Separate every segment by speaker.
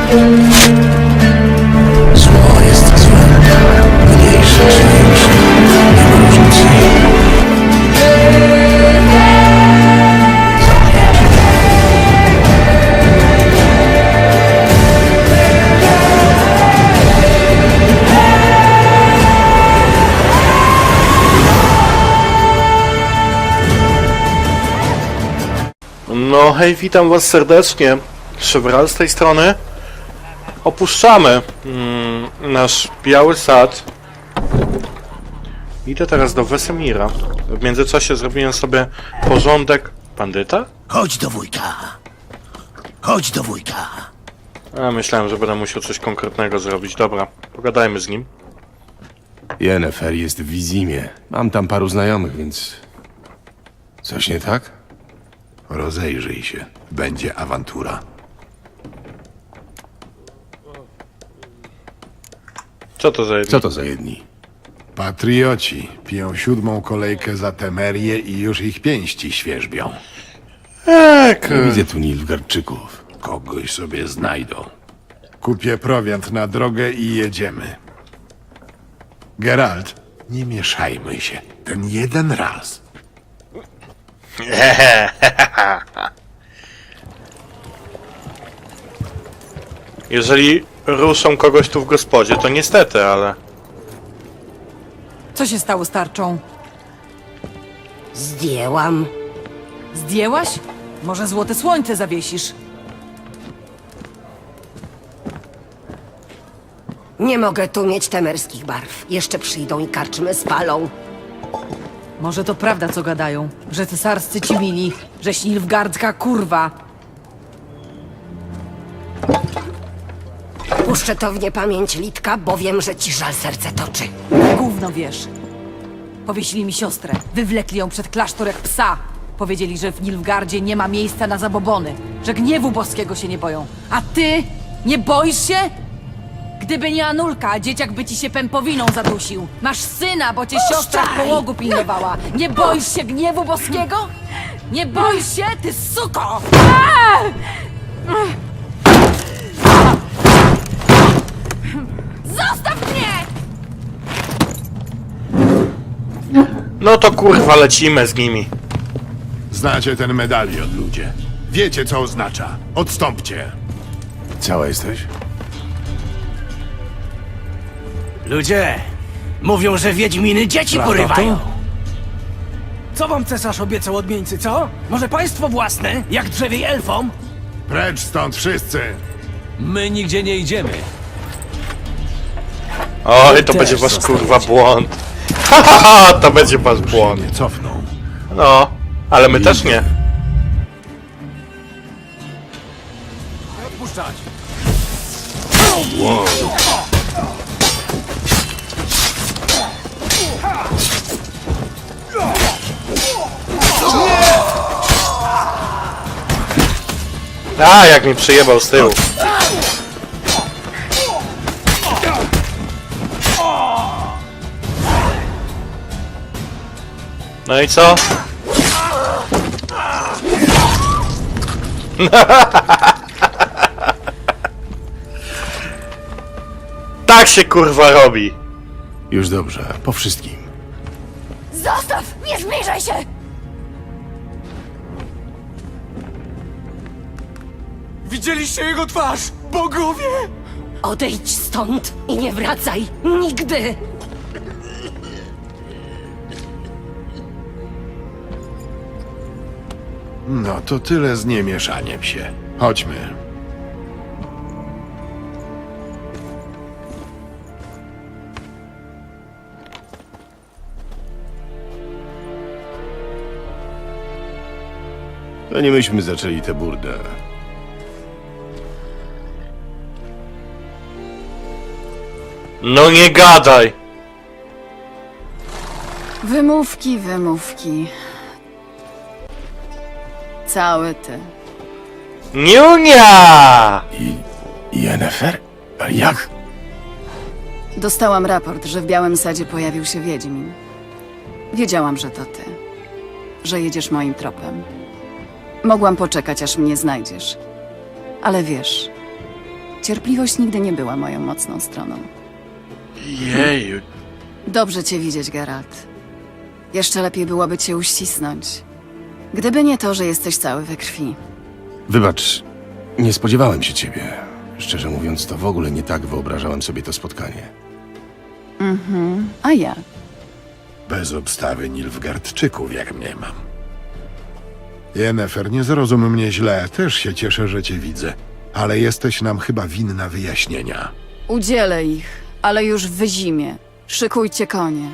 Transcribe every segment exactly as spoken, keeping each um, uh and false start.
Speaker 1: Zło jest złem, mniejsze czy większe, nie ma różnicy.
Speaker 2: No hej, witam was serdecznie. Szewral z tej strony. Opuszczamy mm, nasz biały sad. Idę teraz do Wesemira. W międzyczasie zrobiłem sobie porządek. Bandyta?
Speaker 1: Chodź do wujka. Chodź do wujka.
Speaker 2: A, myślałem, że będę musiał coś konkretnego zrobić. Dobra, pogadajmy z nim.
Speaker 3: Yennefer jest w Wizimie. Mam tam paru znajomych, więc... Coś nie tak?
Speaker 4: Rozejrzyj się. Będzie awantura.
Speaker 2: Co to za jedno?
Speaker 3: Co to za jedni?
Speaker 4: Patrioci piją siódmą kolejkę za Temerię i już ich pięści świerzbią.
Speaker 2: Ek,
Speaker 3: Nie widzę tu Nilfgaardczyków.
Speaker 4: Kogoś sobie znajdą. Kupię prowiant na drogę i jedziemy. Geralt, nie mieszajmy się. Ten jeden raz.
Speaker 2: Jeżeli ruszą kogoś tu w gospodzie, to niestety, ale...
Speaker 5: Co się stało z tarczą?
Speaker 6: Zdjęłam.
Speaker 5: Zdjęłaś? Może złote słońce zawiesisz?
Speaker 6: Nie mogę tu mieć temerskich barw. Jeszcze przyjdą i karczmy spalą.
Speaker 5: Może to prawda, co gadają, że cesarscy ci mili, że Nilfgaardzka kurwa.
Speaker 6: Puszczę to w niepamięć Litka, bo wiem, że ci żal serce toczy.
Speaker 5: Gówno wiesz. Powiesili mi siostrę, wywlekli ją przed klasztor jak psa. Powiedzieli, że w Nilfgaardzie nie ma miejsca na zabobony, że gniewu boskiego się nie boją. A ty? Nie boisz się? Gdyby nie Anulka, dzieciak by ci się pępowiną zadusił. Masz syna, bo cię siostra w połogu pilnowała. Nie boisz się gniewu boskiego? Nie boisz się, ty suko! Zostaw mnie!
Speaker 2: No to kurwa, lecimy z nimi.
Speaker 4: Znacie ten medalion, ludzie. Wiecie, co oznacza. Odstąpcie.
Speaker 3: Cała jesteś?
Speaker 1: Ludzie, mówią, że wiedźminy dzieci porywają.
Speaker 7: Co wam cesarz obiecał odmieńcy, co? Może państwo własne, jak drzewiej elfom?
Speaker 4: Precz stąd wszyscy.
Speaker 7: My nigdzie nie idziemy.
Speaker 2: Oj, to
Speaker 7: też
Speaker 2: będzie wasz
Speaker 7: zostaniecie.
Speaker 2: kurwa błąd. Hahaha, to będzie wasz błąd.
Speaker 4: Nie cofną.
Speaker 2: No, ale my też nie.
Speaker 7: Odpuszczać.
Speaker 2: A, jak mi przyjebał z tyłu. No i co? Tak się kurwa robi.
Speaker 3: Już dobrze, po wszystkim.
Speaker 6: Zostaw! Nie zbliżaj się!
Speaker 7: Widzieliście jego twarz, bogowie!
Speaker 6: Odejdź stąd i nie wracaj. Nigdy!
Speaker 4: No to tyle z niemieszaniem się. Chodźmy.
Speaker 3: To nie myśmy zaczęli tę burdę.
Speaker 2: No nie gadaj.
Speaker 8: Wymówki, wymówki. Cały ty.
Speaker 2: Niunia!
Speaker 3: I... Yennefer? Ale jak?
Speaker 8: Dostałam raport, że w Białym Sadzie pojawił się Wiedźmin. Wiedziałam, że to ty. Że jedziesz moim tropem. Mogłam poczekać, aż mnie znajdziesz. Ale wiesz, Cierpliwość nigdy nie była moją mocną stroną.
Speaker 2: Jeju.
Speaker 8: Dobrze cię widzieć, Geralt. Jeszcze lepiej byłoby cię uścisnąć. Gdyby nie to, że jesteś cały we krwi.
Speaker 3: Wybacz, nie spodziewałem się ciebie. Szczerze mówiąc, to w ogóle nie tak wyobrażałem sobie to spotkanie.
Speaker 8: A ja?
Speaker 4: Bez obstawy Nilfgaardczyków, jak mnie mam. Yennefer, nie zrozum mnie źle, też się cieszę, że cię widzę. Ale jesteś nam chyba winna wyjaśnienia.
Speaker 8: Udzielę ich, ale już w zimie. Szykujcie konie.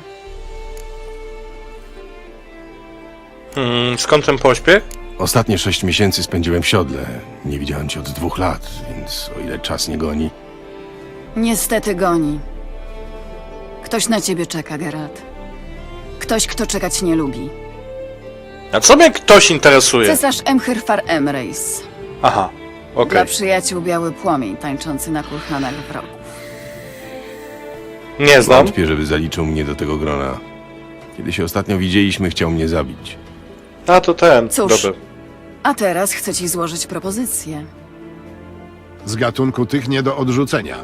Speaker 2: Hmm, skąd ten pośpiech?
Speaker 3: Ostatnie sześć miesięcy spędziłem w siodle. Nie widziałem cię od dwóch lat, więc o ile czas nie goni...
Speaker 8: Niestety goni. Ktoś na ciebie czeka, Geralt. Ktoś, kto czekać nie lubi.
Speaker 2: A co mnie ktoś interesuje?
Speaker 8: Cesarz Emhyrfar Emrys.
Speaker 2: Aha, okej.
Speaker 8: Dla przyjaciół biały płomień tańczący na kulhanach wrogów.
Speaker 2: Nie znam.
Speaker 3: Wątpię, żeby zaliczył mnie do tego grona. Kiedy się ostatnio widzieliśmy, chciał mnie zabić.
Speaker 2: A to ten.
Speaker 8: Cóż.
Speaker 2: Dobra.
Speaker 8: A teraz chcę ci złożyć propozycję.
Speaker 4: Z gatunku tych nie do odrzucenia.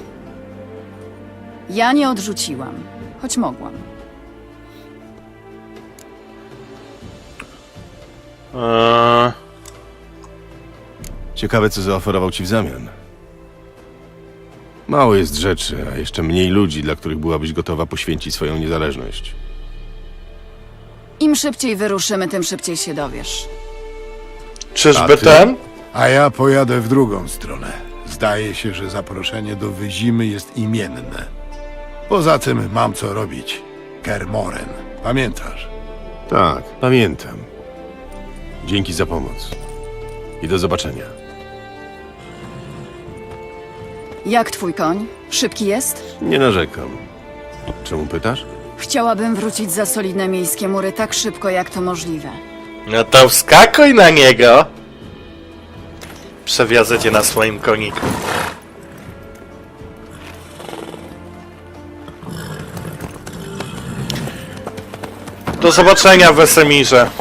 Speaker 8: Ja nie odrzuciłam, choć mogłam.
Speaker 2: Eee,
Speaker 3: Ciekawe, co zaoferował ci w zamian. Mało jest rzeczy, a jeszcze mniej ludzi, dla których byłabyś gotowa poświęcić swoją niezależność.
Speaker 8: Im szybciej wyruszymy, tym szybciej się dowiesz.
Speaker 2: czyżby
Speaker 3: A ty?
Speaker 2: ten?
Speaker 4: A ja pojadę w drugą stronę. Zdaje się, że zaproszenie do Wyzimy jest imienne. Poza tym mam co robić. Kermoren. Pamiętasz?
Speaker 3: Tak, pamiętam. Dzięki za pomoc. I do zobaczenia.
Speaker 8: Jak twój koń? Szybki jest?
Speaker 3: Nie narzekam. Czemu pytasz?
Speaker 8: Chciałabym wrócić za solidne miejskie mury tak szybko, jak to możliwe.
Speaker 2: No to wskakuj na niego. Przewiozę cię na swoim koniku. Do zobaczenia w Wesemirze.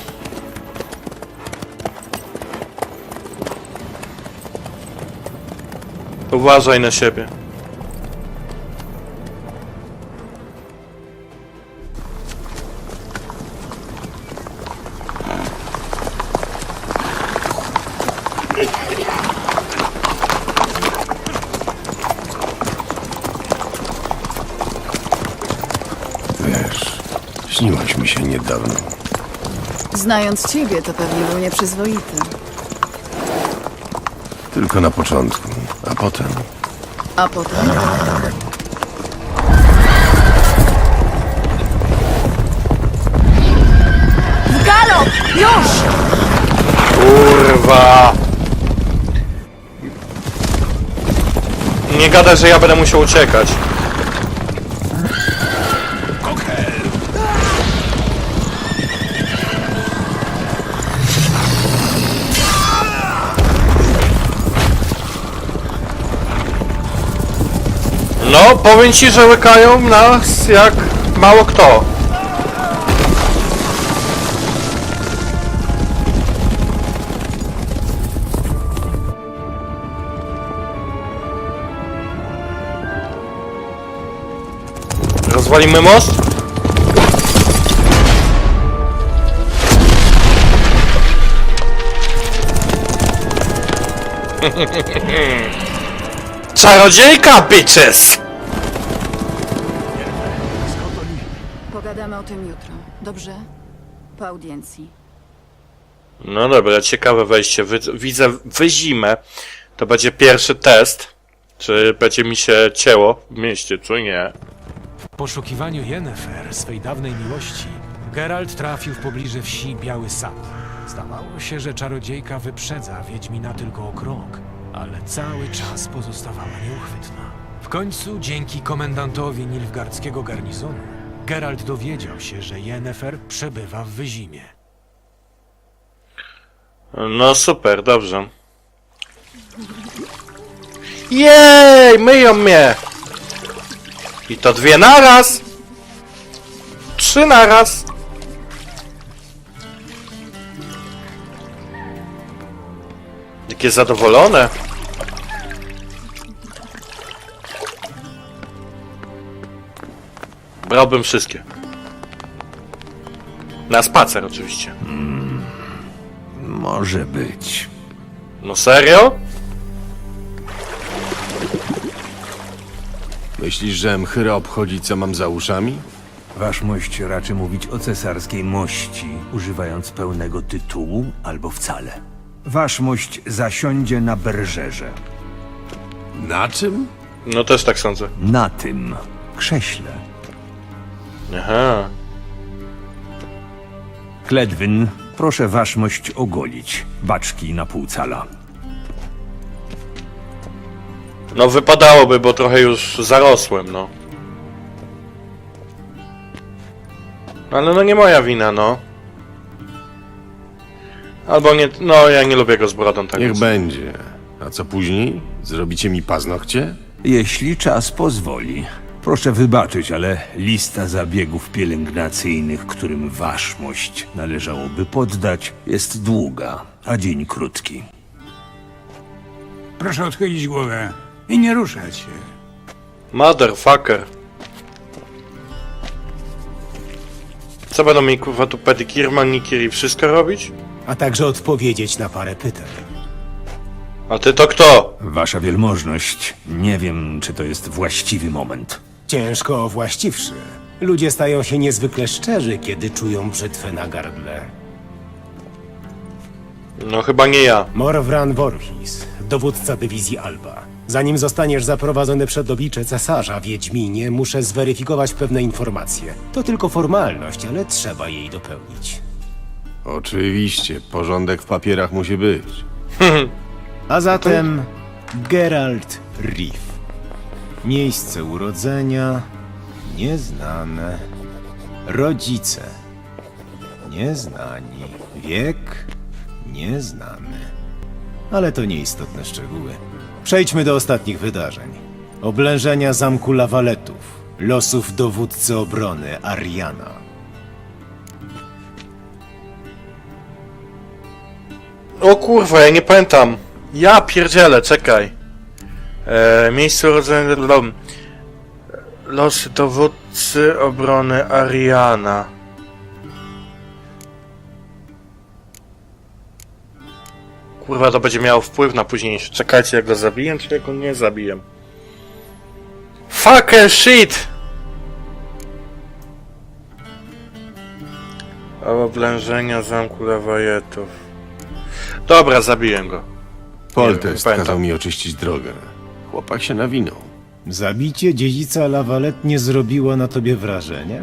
Speaker 2: Uważaj na siebie.
Speaker 3: Wiesz, śniłaś mi się niedawno.
Speaker 8: Znając ciebie, to pewnie był nieprzyzwoity.
Speaker 3: Tylko na początku, a potem...
Speaker 8: A potem? W galop! Już!
Speaker 2: Kurwa! Nie gadaj, że ja będę musiał uciekać. No, powiem ci, że łykają nas jak mało kto. Rozwalimy most? Czarodziejka, bitches!
Speaker 8: Pogadamy o tym jutro, dobrze? Po audiencji.
Speaker 2: No dobra, ciekawe wejście. Wy, widzę Wyzimę. To będzie pierwszy test. Czy będzie mi się cięło w mieście, czy nie?
Speaker 9: W poszukiwaniu Yennefer, swej dawnej miłości, Geralt trafił w pobliże wsi Biały Sad. Zdawało się, że czarodziejka wyprzedza Wiedźmina tylko o krok, ale cały czas pozostawała nieuchwytna. W końcu, dzięki komendantowi Nilfgaardzkiego garnizonu, Geralt dowiedział się, że Yennefer przebywa w Wyzimie.
Speaker 2: No super, dobrze. Jej, myją mnie! I to dwie naraz! Trzy naraz! Jakie zadowolone! Brałbym wszystkie. Na spacer oczywiście.
Speaker 10: Może być.
Speaker 2: No serio?
Speaker 3: Myślisz, że Mchyra obchodzi, co mam za uszami?
Speaker 10: Waszmość raczy mówić o cesarskiej mości, używając pełnego tytułu albo wcale. Waszmość zasiądzie na berżerze.
Speaker 3: Na czym?
Speaker 2: No też tak sądzę.
Speaker 10: Na tym krześle.
Speaker 2: Aha.
Speaker 10: Kledwyn, proszę waszmość ogolić. Baczki na pół cala.
Speaker 2: No wypadałoby, bo trochę już zarosłem, no. Ale no nie moja wina, no. Albo nie, no ja nie lubię go z brodą, tak
Speaker 3: Niech
Speaker 2: więc.
Speaker 3: będzie. A co później? Zrobicie mi paznokcie?
Speaker 10: Jeśli czas pozwoli. Proszę wybaczyć, ale lista zabiegów pielęgnacyjnych, którym waszmość należałoby poddać, jest długa, a dzień krótki.
Speaker 7: Proszę odchylić głowę i nie ruszać się.
Speaker 2: Motherfucker. Co będą mi kurwa tu pedikir, manikir i wszystko robić?
Speaker 11: A także odpowiedzieć na parę pytań.
Speaker 2: A ty to kto?
Speaker 10: Wasza wielmożność, nie wiem, czy to jest właściwy moment.
Speaker 11: Ciężko właściwszy. Ludzie stają się niezwykle szczerzy, kiedy czują brzytwę na gardle.
Speaker 2: No chyba nie ja.
Speaker 11: Morwran Voorhis, dowódca dywizji Alba. Zanim zostaniesz zaprowadzony przed oblicze cesarza, Wiedźminie, muszę zweryfikować pewne informacje. To tylko formalność, ale trzeba jej dopełnić.
Speaker 3: Oczywiście, porządek w papierach musi być.
Speaker 11: A zatem Geralt Riff. Miejsce urodzenia nieznane. Rodzice nieznani. Wiek nieznany. Ale to nieistotne szczegóły. Przejdźmy do ostatnich wydarzeń. Oblężenia zamku Lawaletów. Losów dowódcy obrony Ariana.
Speaker 2: O kurwa, ja nie pamiętam. Ja pierdzielę, czekaj. E, miejsce urodzenia... Lom. Losy dowódcy obrony Ariana. Kurwa, to będzie miało wpływ na późniejsze. Czekajcie, jak go zabiję, czy jak go nie zabiję. Fucker shit! Oblężenia zamku Lawajetów. Dobra, zabiję go.
Speaker 3: Poltest
Speaker 2: pamiętam.
Speaker 3: kazał mi oczyścić drogę. Chłopak się nawinął.
Speaker 11: Zabicie dziedzica Lawalet nie zrobiło na tobie wrażenia?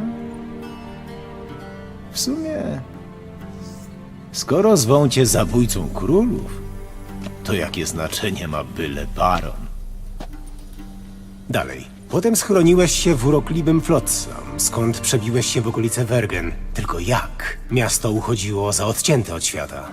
Speaker 11: W sumie... Skoro zwą cię zabójcą królów, to jakie znaczenie ma byle baron? Dalej. Potem schroniłeś się w urokliwym Flotsam, skąd przebiłeś się w okolice Wergen. Tylko jak? Miasto uchodziło za odcięte od świata.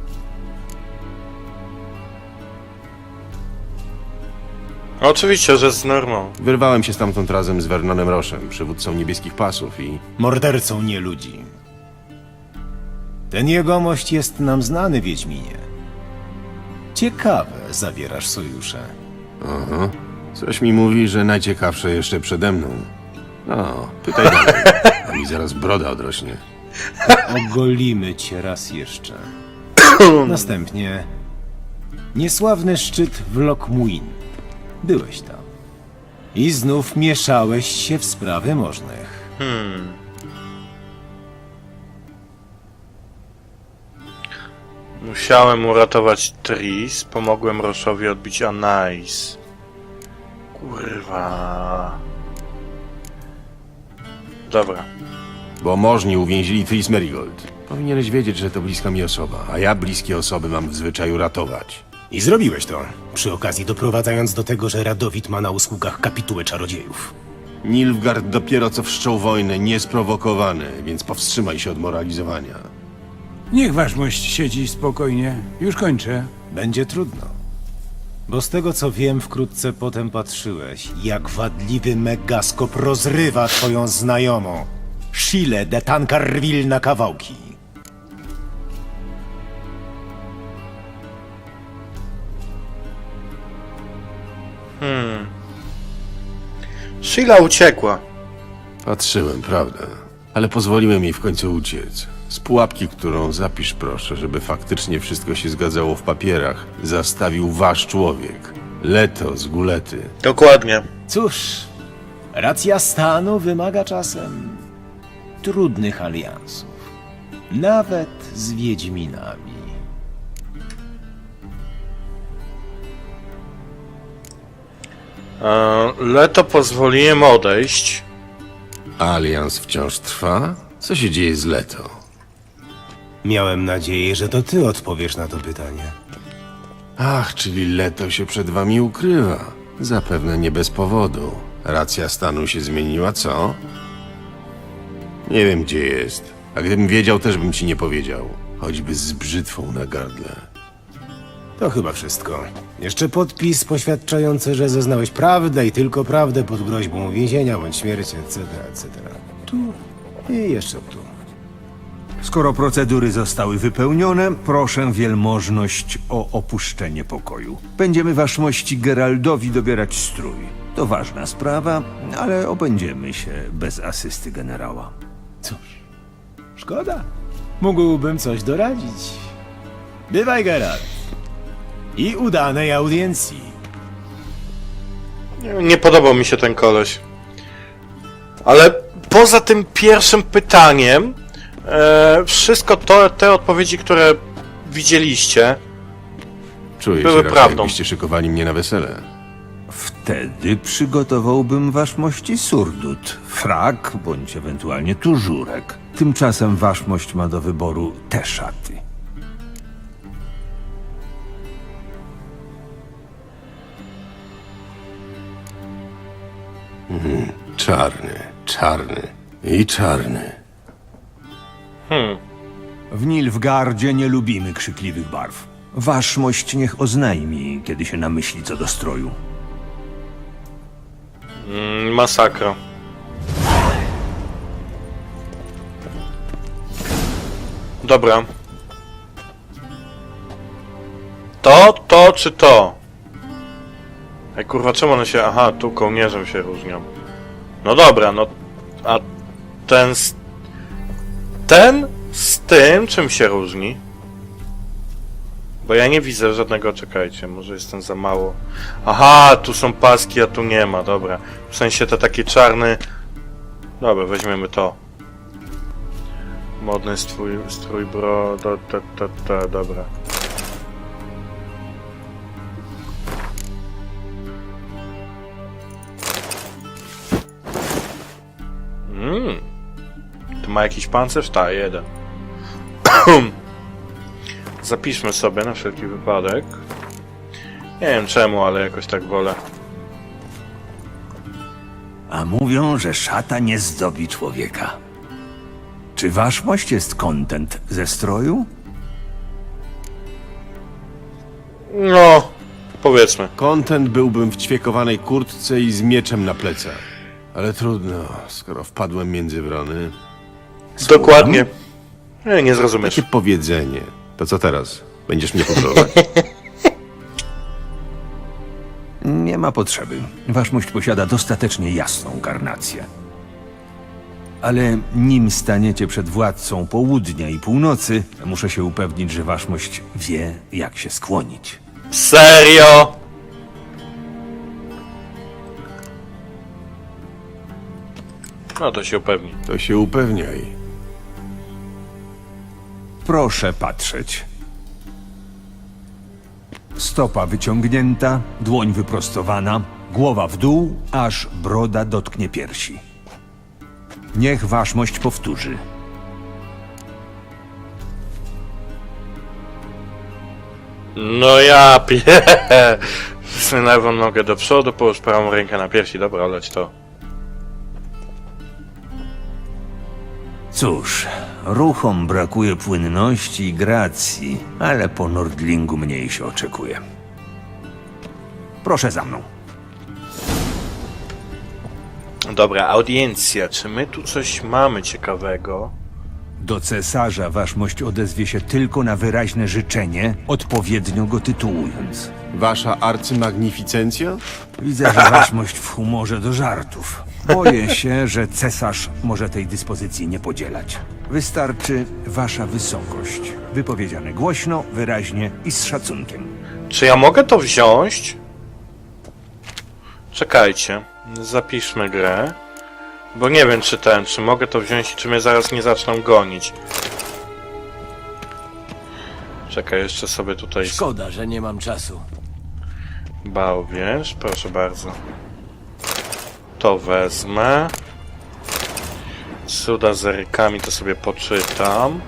Speaker 2: Oczywiście, że z normą.
Speaker 3: Wyrwałem się stamtąd razem z Vernonem Roszem, przywódcą niebieskich pasów i...
Speaker 11: Mordercą nie ludzi. Ten jegomość jest nam znany, Wiedźminie. Ciekawe, zawierasz sojusze.
Speaker 3: Aha. Coś mi mówi, że najciekawsze jeszcze przede mną. No, pytaj dalej, a mi zaraz broda odrośnie.
Speaker 11: Ogolimy cię raz jeszcze. Następnie niesławny szczyt w Lokmuin. Byłeś tam. I znów mieszałeś się w sprawy możnych.
Speaker 2: Hmm. Musiałem uratować Tris, pomogłem Roszowi odbić Anais. Kurwa. Dobra.
Speaker 3: Bo możni uwięzili Tris Merigold. Powinieneś wiedzieć, że to bliska mi osoba, a ja bliskie osoby mam w zwyczaju ratować.
Speaker 11: I zrobiłeś to, przy okazji doprowadzając do tego, że Radowid ma na usługach kapitułę czarodziejów.
Speaker 3: Nilfgaard dopiero co wszczął wojnę, niesprowokowany, więc powstrzymaj się od moralizowania.
Speaker 7: Niech waszmość siedzi spokojnie. Już kończę.
Speaker 11: Będzie trudno. Bo z tego co wiem, wkrótce potem patrzyłeś, jak wadliwy Megaskop rozrywa twoją znajomą. Shile de Tancarville na kawałki.
Speaker 2: Hmm. Sheila uciekła.
Speaker 3: Patrzyłem, prawda? Ale pozwoliłem jej w końcu uciec. Z pułapki, którą zapisz proszę, żeby faktycznie wszystko się zgadzało w papierach, zastawił wasz człowiek. Leto z Gulety.
Speaker 2: Dokładnie.
Speaker 11: Cóż, racja stanu wymaga czasem trudnych aliansów. Nawet z Wiedźminami.
Speaker 2: E, Leto pozwoliłem odejść.
Speaker 3: Alians wciąż trwa? Co się dzieje z Leto?
Speaker 11: Miałem nadzieję, że to ty odpowiesz na to pytanie.
Speaker 3: Ach, czyli Leto się przed wami ukrywa. Zapewne nie bez powodu. Racja stanu się zmieniła, co? Nie wiem, gdzie jest. A gdybym wiedział, też bym ci nie powiedział. Choćby z brzytwą na gardle.
Speaker 11: To chyba wszystko. Jeszcze podpis poświadczający, że zeznałeś prawdę i tylko prawdę pod groźbą więzienia bądź śmierci, et cetera, et cetera. Tu i jeszcze tu.
Speaker 10: Skoro procedury zostały wypełnione, proszę wielmożność o opuszczenie pokoju. Będziemy waszmości Geraldowi dobierać strój. To ważna sprawa, ale obędziemy się bez asysty generała.
Speaker 11: Cóż, szkoda. Mógłbym coś doradzić. Bywaj, Geralt. I udanej audiencji.
Speaker 2: Nie, nie podobał mi się ten koleś. Ale poza tym pierwszym pytaniem, e, wszystko to, te odpowiedzi, które widzieliście,
Speaker 3: Czuję
Speaker 2: były
Speaker 3: się raczej,
Speaker 2: prawdą.
Speaker 3: jakbyście szykowali mnie na wesele.
Speaker 10: Wtedy przygotowałbym waszmości surdut, frak bądź ewentualnie tużurek. Tymczasem waszmość ma do wyboru te szaty.
Speaker 3: Czarny, czarny i czarny.
Speaker 2: Hmm.
Speaker 10: W Nilfgardzie nie lubimy krzykliwych barw. Waszmość niech oznajmi, kiedy się namyśli co do stroju.
Speaker 2: Mm, masakra. Dobra. To, to czy to? Ej kurwa, czemu one się... Aha, tu kołnierzem się różnią. No dobra, no... A ten z... Ten z tym czym się różni? Bo ja nie widzę żadnego... Czekajcie, może jestem za mało... Aha, tu są paski, a tu nie ma, dobra. W sensie to taki czarny... Dobra, weźmiemy to. Modny strój, strój bro... To, to, to, to, dobra. Mmm. Tu ma jakiś pancerz? Ta, jeden. Zapiszmy sobie na wszelki wypadek. Nie wiem czemu, ale jakoś tak wolę.
Speaker 10: A mówią, że szata nie zdobi człowieka. Czy waszmość jest kontent ze stroju?
Speaker 2: No, powiedzmy.
Speaker 3: Kontent byłbym w ćwiekowanej kurtce i z mieczem na plecach. Ale trudno, skoro wpadłem między wrony.
Speaker 2: Dokładnie. Nie, nie zrozumiesz.
Speaker 3: Takie powiedzenie. To co teraz? Będziesz mnie kontrolować?
Speaker 10: Nie ma potrzeby. Waszmość posiada dostatecznie jasną karnację. Ale nim staniecie przed władcą południa i północy, muszę się upewnić, że waszmość wie, jak się skłonić.
Speaker 2: Serio? No to się upewni.
Speaker 3: To się upewniaj.
Speaker 10: Proszę patrzeć. Stopa wyciągnięta, dłoń wyprostowana, głowa w dół, aż broda dotknie piersi. Niech waszmość powtórzy.
Speaker 2: No ja pie... Wsunę lewą nogę do przodu, połóż prawą rękę na piersi. Dobra, leć to.
Speaker 10: Cóż, ruchom brakuje płynności i gracji, ale po Nordlingu mniej się oczekuje. Proszę za mną.
Speaker 2: Dobra, audiencja. Czy my tu coś mamy ciekawego?
Speaker 10: Do cesarza waszmość odezwie się tylko na wyraźne życzenie, odpowiednio go tytułując.
Speaker 3: Wasza arcymagnificencja?
Speaker 10: Widzę, że waszmość w humorze do żartów. Boję się, że cesarz może tej dyspozycji nie podzielać. Wystarczy wasza wysokość. Wypowiedziane głośno, wyraźnie i z szacunkiem.
Speaker 2: Czy ja mogę to wziąć? Czekajcie. Zapiszmy grę. Bo nie wiem, czy ten, czy mogę to wziąć i czy mnie zaraz nie zaczną gonić. Czekaj, jeszcze sobie tutaj...
Speaker 11: Szkoda, że nie mam czasu.
Speaker 2: Bałwierz, proszę bardzo. To wezmę. Cuda z rykami to sobie poczytam.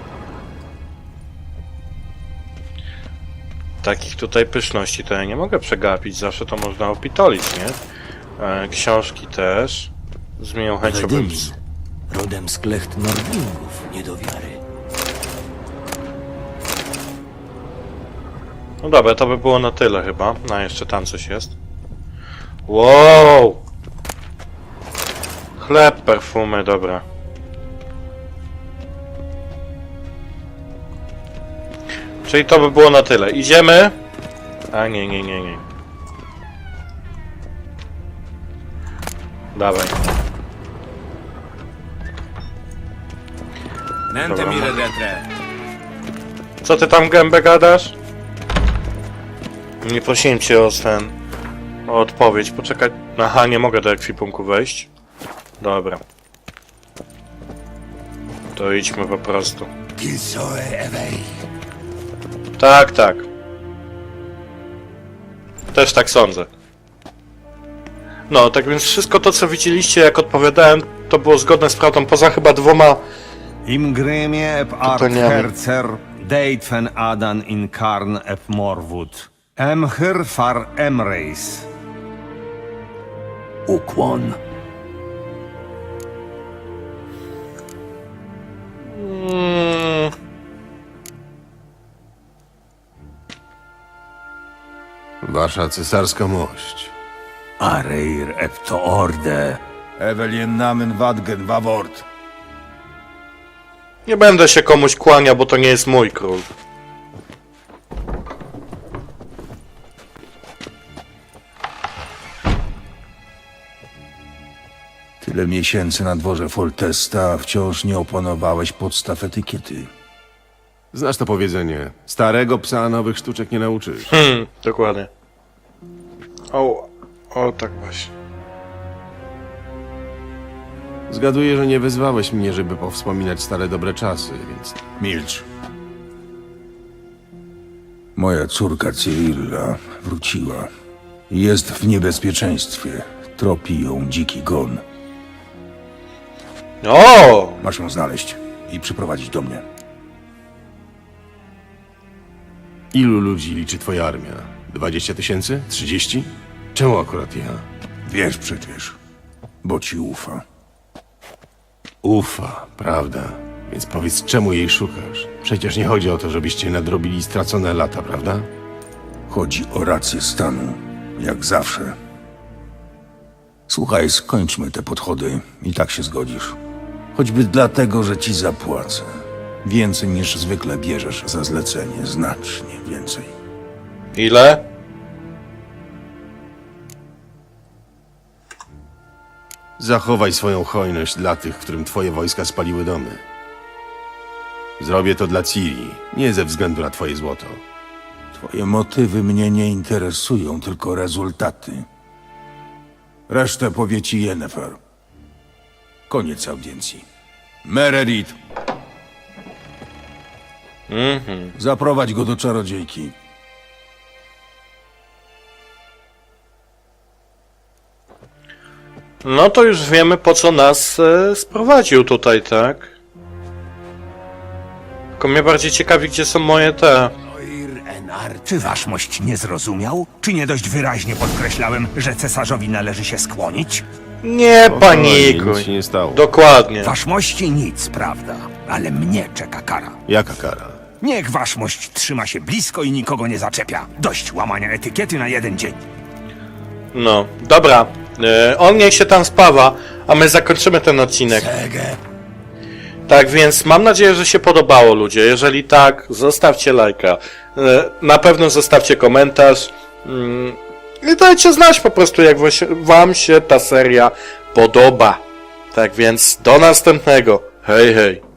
Speaker 2: Takich tutaj pyszności to ja nie mogę przegapić, zawsze to można opitolić, nie? E, książki też. Z miłą chęcią bym...
Speaker 11: Wedymin, rodem z klecht Nordlingów, nie do wiary.
Speaker 2: No dobra, to by było na tyle chyba. No, jeszcze tam coś jest. Wow! Chleb, perfumy, dobra. Czyli to by było na tyle. Idziemy? A nie, nie, nie, nie. Dawaj. Dobra, mo- Co ty tam gębę gadasz? Nie prosiłem cię o ten... o odpowiedź. Poczekaj. Aha, nie mogę do ekwipunku wejść. Dobra. To idźmy po prostu. Tak, tak. Też tak sądzę. No, tak więc wszystko to, co widzieliście, jak odpowiadałem, to było zgodne z prawdą, poza chyba dwoma...
Speaker 10: Im grymie eb art
Speaker 2: Pytaniami.
Speaker 10: herzer, deitfen adan in karn eb morwud. Emhyr far emreis.
Speaker 11: Ukłon.
Speaker 2: Mm,
Speaker 3: Wasza cesarska mość.
Speaker 10: Areir eb to orde.
Speaker 4: Evelien Namen Wadgen Wawort.
Speaker 2: nie będę się komuś kłaniał, bo to nie jest mój król.
Speaker 4: Tyle miesięcy na dworze Foltesta, a wciąż nie opanowałeś podstaw etykiety.
Speaker 3: Znasz to powiedzenie. Starego psa nowych sztuczek nie nauczysz.
Speaker 2: Hmm, dokładnie. O, o tak właśnie.
Speaker 3: Zgaduję, że nie wezwałeś mnie, żeby powspominać stare dobre czasy, więc...
Speaker 4: Milcz. Moja córka Cyrilla wróciła. Jest w niebezpieczeństwie. Tropi ją dziki gon.
Speaker 2: O!
Speaker 4: Masz ją znaleźć i przyprowadzić do mnie.
Speaker 3: Ilu ludzi liczy twoja armia? Dwadzieścia tysięcy? Trzydzieści? Czemu akurat ja?
Speaker 4: Wiesz przecież, bo ci ufa.
Speaker 3: Ufa, prawda? Więc powiedz, czemu jej szukasz? Przecież nie chodzi o to, żebyście nadrobili stracone lata, prawda?
Speaker 4: Chodzi o rację stanu, jak zawsze. Słuchaj, skończmy te podchody i tak się zgodzisz. Choćby dlatego, że ci zapłacę. Więcej niż zwykle bierzesz za zlecenie, znacznie więcej.
Speaker 2: Ile?
Speaker 3: Zachowaj swoją hojność dla tych, którym twoje wojska spaliły domy. Zrobię to dla Ciri, nie ze względu na twoje złoto.
Speaker 4: Twoje motywy mnie nie interesują, tylko rezultaty. Resztę powie ci Yennefer. Koniec audiencji. Meredith,
Speaker 2: Mhm.
Speaker 4: zaprowadź go do czarodziejki.
Speaker 2: No to już wiemy, po co nas e, sprowadził tutaj, tak? Tylko mnie bardziej ciekawi, gdzie są moje te...
Speaker 10: Czy waszmość nie zrozumiał? Czy nie dość wyraźnie podkreślałem, że cesarzowi należy się skłonić?
Speaker 2: Nie
Speaker 3: Spokojnie,
Speaker 2: panikuj.
Speaker 3: nic się nie stało.
Speaker 2: Dokładnie.
Speaker 10: Waszmości nic, prawda? Ale mnie czeka kara.
Speaker 3: Jaka kara?
Speaker 10: Niech waszmość trzyma się blisko i nikogo nie zaczepia. Dość łamania etykiety na jeden dzień.
Speaker 2: No, dobra. E, on niech się tam spawa, a my zakończymy ten odcinek. Tak więc mam nadzieję, że się podobało, ludzie. Jeżeli tak, zostawcie lajka. E, na pewno zostawcie komentarz. Mm, I dajcie znać po prostu, jak wam się ta seria podoba. Tak więc do następnego. Hej, hej.